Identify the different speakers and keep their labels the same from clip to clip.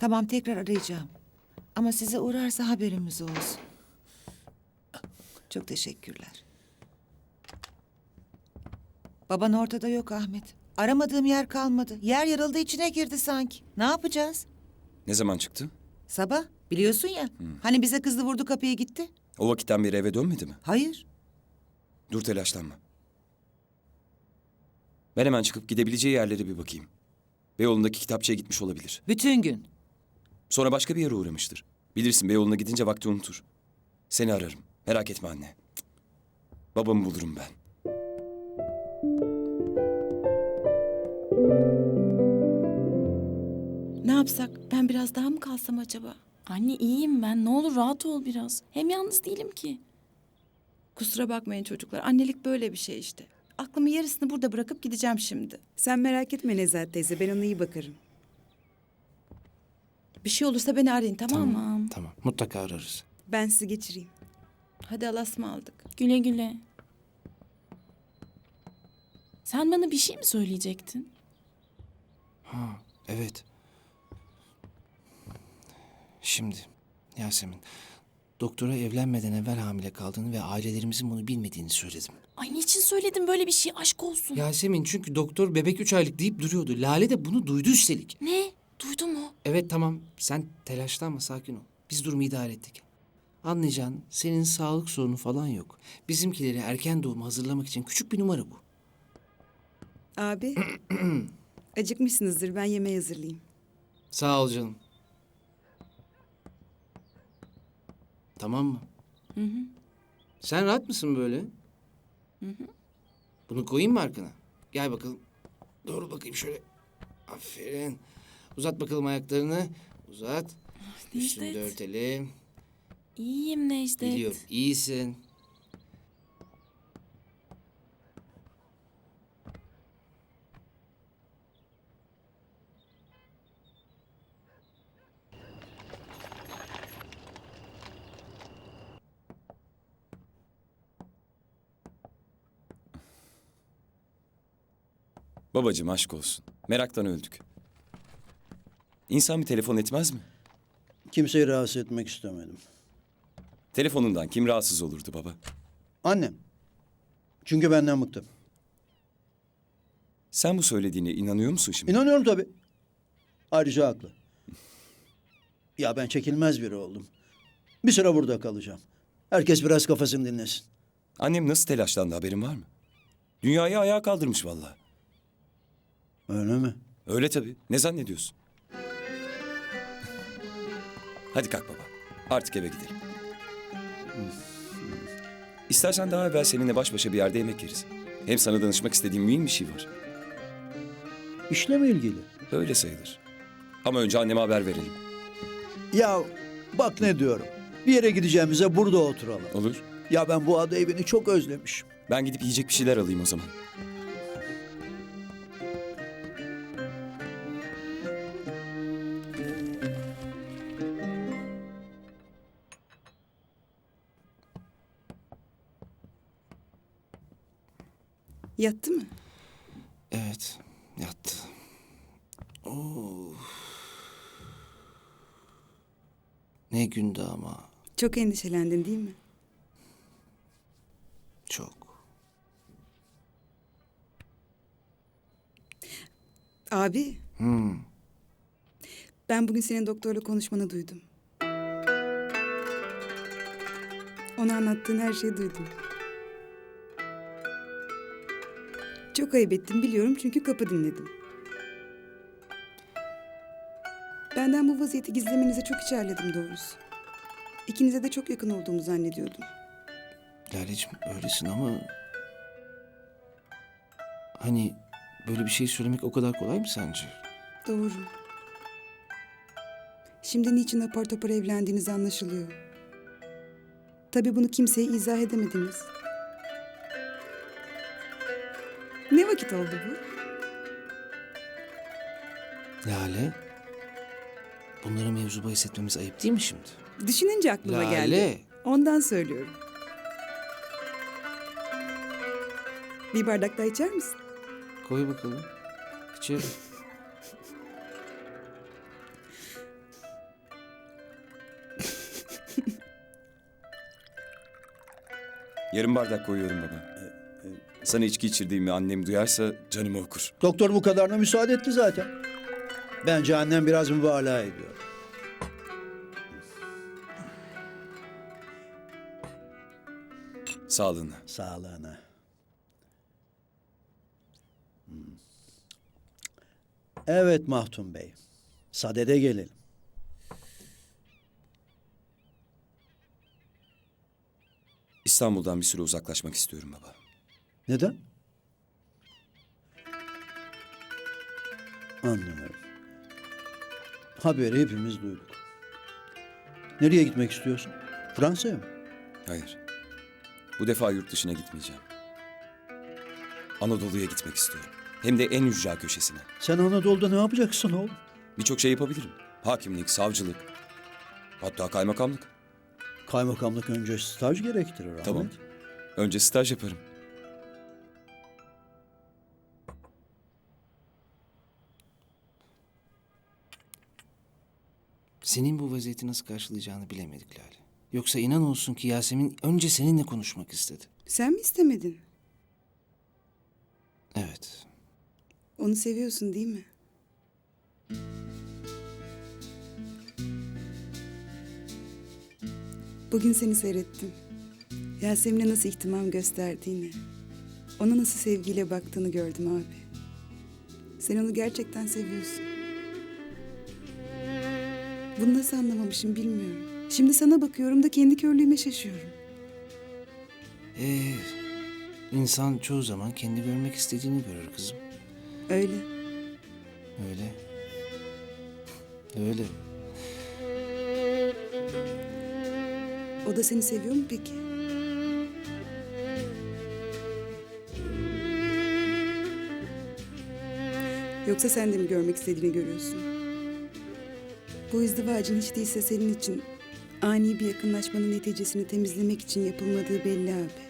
Speaker 1: Tamam, tekrar arayacağım. Ama size uğrarsa haberimiz olsun. Çok teşekkürler. Baban ortada yok Ahmet. Aramadığım yer kalmadı. Yer yarıldı, içine girdi sanki. Ne yapacağız?
Speaker 2: Ne zaman çıktı?
Speaker 1: Sabah, biliyorsun ya. Hani bize kızdı, vurdu kapıyı gitti.
Speaker 2: O vakitten beri eve dönmedi mi?
Speaker 1: Hayır.
Speaker 2: Dur, telaşlanma. Ben hemen çıkıp gidebileceği yerlere bir bakayım. Beyoğlu'ndaki kitapçıya gitmiş olabilir.
Speaker 1: Bütün gün.
Speaker 2: Sonra başka bir yere uğramıştır. Bilirsin, Beyoğlu'na gidince vakti unutur. Seni ararım. Merak etme anne. Cık. Babamı bulurum ben.
Speaker 3: Ne yapsak? Ben biraz daha mı kalsam acaba?
Speaker 4: Anne iyiyim ben. Ne olur rahat ol biraz. Hem yalnız değilim ki.
Speaker 3: Kusura bakmayın çocuklar. Annelik böyle bir şey işte. Aklımı yarısını burada bırakıp gideceğim şimdi.
Speaker 5: Sen merak etme Nezahat teyze, ben ona iyi bakarım.
Speaker 3: Bir şey olursa beni arayın, tamam mı?
Speaker 4: Tamam.
Speaker 6: Tamam, mutlaka ararız.
Speaker 5: Ben sizi geçireyim.
Speaker 3: Hadi Allah'a ısmarladık.
Speaker 4: Güle güle. Sen bana bir şey mi söyleyecektin?
Speaker 6: Ha, evet. Şimdi Yasemin, doktora evlenmeden evvel hamile kaldığını ve ailelerimizin bunu bilmediğini söyledim.
Speaker 4: Ay niçin söyledin böyle bir şey? Aşk olsun.
Speaker 6: Yasemin, çünkü doktor bebek 3 aylık deyip duruyordu. Lale de bunu duydu üstelik.
Speaker 4: Ne? Duydu mu?
Speaker 6: Evet, tamam, sen telaşlanma, sakin ol. Biz durumu idare ettik. Anlayacağın, senin sağlık sorunu falan yok. Bizimkileri erken doğuma hazırlamak için küçük bir numara bu.
Speaker 5: Abi, acıkmışsınızdır, ben yemeği hazırlayayım.
Speaker 6: Sağ ol canım. Tamam mı?
Speaker 4: Hı hı.
Speaker 6: Sen rahat mısın böyle?
Speaker 4: Hı hı.
Speaker 6: Bunu koyayım mı arkana? Gel bakalım. Doğru bakayım şöyle. Aferin. Uzat bakalım ayaklarını. Uzat. Üstünü de
Speaker 4: Necdet.
Speaker 6: örtelim.
Speaker 4: İyiyim Necdet.
Speaker 6: Biliyorum, iyisin.
Speaker 2: Babacığım, aşk olsun. Meraktan öldük. İnsan bir telefon etmez mi?
Speaker 7: Kimseyi rahatsız etmek istemedim.
Speaker 2: Telefonundan kim rahatsız olurdu baba?
Speaker 7: Annem. Çünkü benden bıktı.
Speaker 2: Sen bu söylediğine inanıyor musun şimdi?
Speaker 7: İnanıyorum tabii. Ayrıca haklı. Ya ben çekilmez biri oldum. Bir süre burada kalacağım. Herkes biraz kafasını dinlesin.
Speaker 2: Annem nasıl telaşlandı, haberin var mı? Dünyayı ayağa kaldırmış vallahi.
Speaker 7: Öyle mi?
Speaker 2: Öyle tabii. Ne zannediyorsun? Hadi kalk baba. Artık eve gidelim. İstersen daha evvel seninle baş başa bir yerde yemek yeriz. Hem sana danışmak istediğim mühim bir şey var.
Speaker 7: İşle mi ilgili?
Speaker 2: Öyle sayılır. Ama önce anneme haber verelim.
Speaker 7: Ya bak ne diyorum. Bir yere gideceğimize burada oturalım.
Speaker 2: Olur.
Speaker 7: Ya ben bu ada evini çok özlemişim.
Speaker 2: Ben gidip yiyecek bir şeyler alayım o zaman.
Speaker 5: Yattı mı?
Speaker 6: Evet, yattı. Oo. Ne gündü ama.
Speaker 5: Çok endişelendin değil mi?
Speaker 6: Çok.
Speaker 5: Abi,
Speaker 6: Hmm.
Speaker 5: ben bugün senin doktorla konuşmanı duydum. Ona anlattığın her şeyi duydum. Çok ayıp ettim biliyorum çünkü kapı dinledim. Benden bu vaziyeti gizlemenize çok içerledim doğrusu. İkinize de çok yakın olduğumu zannediyordum.
Speaker 6: Laleciğim, öylesin ama... Hani böyle bir şey söylemek o kadar kolay mı sence?
Speaker 5: Doğru. Şimdi niçin apar topar evlendiğiniz anlaşılıyor. Tabii bunu kimseye izah edemediniz. Ne vakit oldu bu?
Speaker 6: Lale, bunları mevzu bahis etmemiz ayıp değil mi şimdi?
Speaker 5: Düşününce aklıma
Speaker 6: Lale.
Speaker 5: geldi. Ondan söylüyorum. Bir bardak daha içer misin?
Speaker 6: Koy bakalım. İçeri.
Speaker 2: Yarım bardak koyuyorum baba. Sana içki içirdiğimi annem duyarsa canımı okur.
Speaker 7: Doktor bu kadarına müsaade etti zaten. Bence annem biraz mübalağa ediyor.
Speaker 2: Sağlığına.
Speaker 7: Sağlığına. Evet Mahdum Bey. Sadede gelelim.
Speaker 2: İstanbul'dan bir süre uzaklaşmak istiyorum baba.
Speaker 7: Neden? Anlıyorum. Haberi hepimiz duyduk. Nereye gitmek istiyorsun? Fransa'ya mı?
Speaker 2: Hayır. Bu defa yurt dışına gitmeyeceğim. Anadolu'ya gitmek istiyorum. Hem de en ücra köşesine.
Speaker 7: Sen Anadolu'da ne yapacaksın oğlum?
Speaker 2: Birçok şey yapabilirim. Hakimlik, savcılık. Hatta kaymakamlık.
Speaker 7: Kaymakamlık önce staj gerektirir Ahmet.
Speaker 2: Tamam. Önce staj yaparım.
Speaker 6: Senin bu vaziyeti nasıl karşılayacağını bilemedik Lale. Yoksa inan olsun ki Yasemin önce seninle konuşmak istedi.
Speaker 5: Sen mi istemedin?
Speaker 6: Evet.
Speaker 5: Onu seviyorsun değil mi? Bugün seni seyrettim. Yasemin'e nasıl ihtimam gösterdiğini, ona nasıl sevgiyle baktığını gördüm abi. Sen onu gerçekten seviyorsun. Bunu nasıl anlamamışım bilmiyorum. Şimdi sana bakıyorum da kendi körlüğüme şaşıyorum.
Speaker 6: Ee, insan çoğu zaman kendi görmek istediğini görür kızım.
Speaker 5: Öyle.
Speaker 6: Öyle. Öyle.
Speaker 5: O da seni seviyor mu peki? Yoksa sen de mi görmek istediğini görüyorsun? Bu izdivacın hiç değilse senin için ani bir yakınlaşmanın neticesini temizlemek için yapılmadığı belli abi.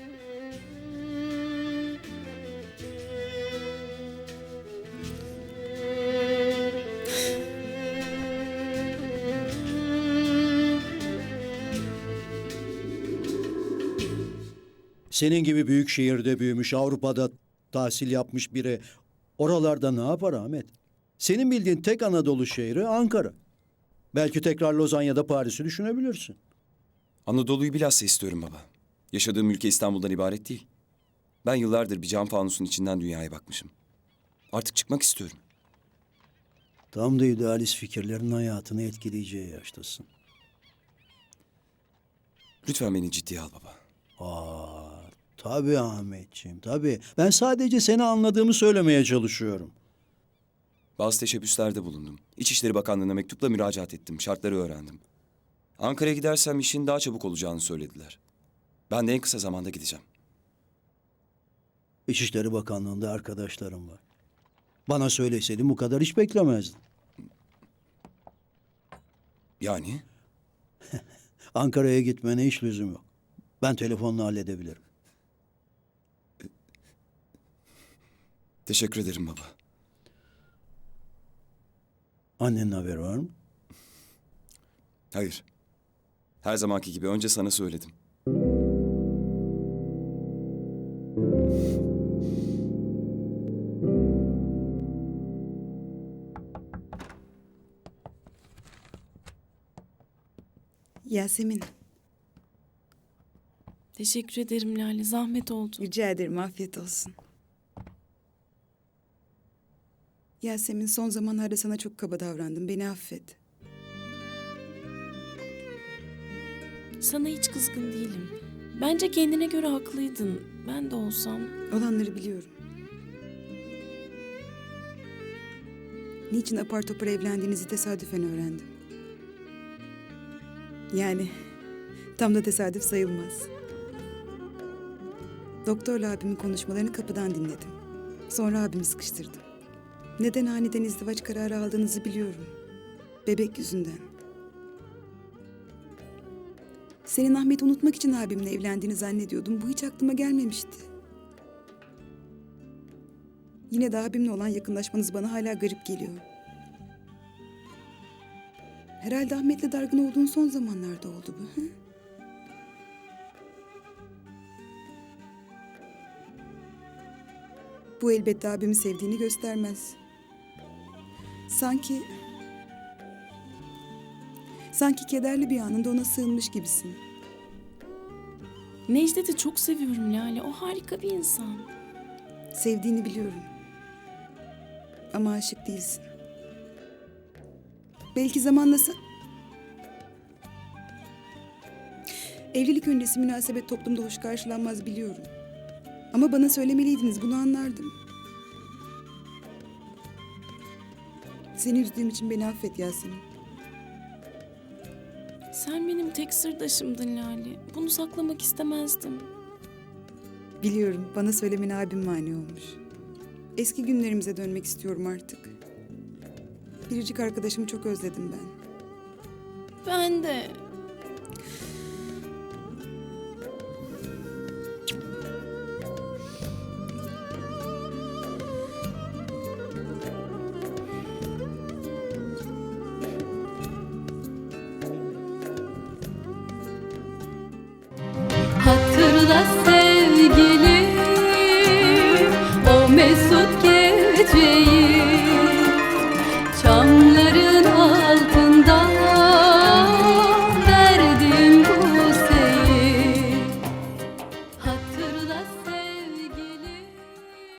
Speaker 7: Senin gibi büyük şehirde büyümüş, Avrupa'da tahsil yapmış biri oralarda ne yapar Ahmet? Senin bildiğin tek Anadolu şehri Ankara. Belki tekrar Lozan ya da Paris'i düşünebilirsin.
Speaker 2: Anadolu'yu bilhassa istiyorum baba. Yaşadığım ülke İstanbul'dan ibaret değil. Ben yıllardır bir cam fanusun içinden dünyaya bakmışım. Artık çıkmak istiyorum.
Speaker 7: Tam da idealist fikirlerin hayatını etkileyeceği yaştasın.
Speaker 2: Lütfen beni ciddiye al baba.
Speaker 7: Tabii Ahmetciğim, tabii. Ben sadece seni anladığımı söylemeye çalışıyorum.
Speaker 2: Bazı teşebbüslerde bulundum. İçişleri Bakanlığı'na mektupla müracaat ettim. Şartları öğrendim. Ankara'ya gidersem işin daha çabuk olacağını söylediler. Ben de en kısa zamanda gideceğim.
Speaker 7: İçişleri Bakanlığı'nda arkadaşlarım var. Bana söyleseydin bu kadar hiç beklemezdin.
Speaker 2: Yani?
Speaker 7: Ankara'ya gitmene hiç lüzum yok. Ben telefonla halledebilirim.
Speaker 2: Teşekkür ederim baba.
Speaker 7: Annenin haberi var mı?
Speaker 2: Hayır. Her zamanki gibi önce sana söyledim.
Speaker 5: Yasemin,
Speaker 4: Teşekkür ederim Lale. Zahmet oldu.
Speaker 5: rica ederim afiyet olsun. Yasemin son zamanlarda sana çok kaba davrandım. Beni affet.
Speaker 4: Sana hiç kızgın değilim. Bence kendine göre haklıydın. Ben de olsam.
Speaker 5: Olanları biliyorum. Niçin apar topar evlendiğinizi tesadüfen öğrendim. Yani tam da tesadüf sayılmaz. Doktorla abimin konuşmalarını kapıdan dinledim. Sonra abimi sıkıştırdım. Neden aniden izdivaç kararı aldığınızı biliyorum. Bebek yüzünden. Senin Ahmet'i unutmak için abimle evlendiğini zannediyordum. Bu hiç aklıma gelmemişti. Yine de abimle olan yakınlaşmanız bana hala garip geliyor. Herhalde Ahmet'le dargın olduğun son zamanlarda oldu bu. Hı? Bu elbette abimi sevdiğini göstermez. Sanki kederli bir anında ona sığınmış gibisin.
Speaker 4: Necdet'i çok seviyorum Lale. O harika bir insan.
Speaker 5: Sevdiğini biliyorum. Ama aşık değilsin. Belki zamanla Evlilik öncesi münasebet toplumda hoş karşılanmaz biliyorum. Ama bana söylemeliydiniz, bunu anlardım. Seni üzdüğüm için beni affet Yasemin.
Speaker 4: Sen benim tek sırdaşımdın Lale. Bunu saklamak istemezdim.
Speaker 5: Biliyorum, bana söylemene abim mani olmuş. Eski günlerimize dönmek istiyorum artık. Biricik arkadaşımı çok özledim ben.
Speaker 4: Ben de.
Speaker 8: Hatırla sevgilim, o mesut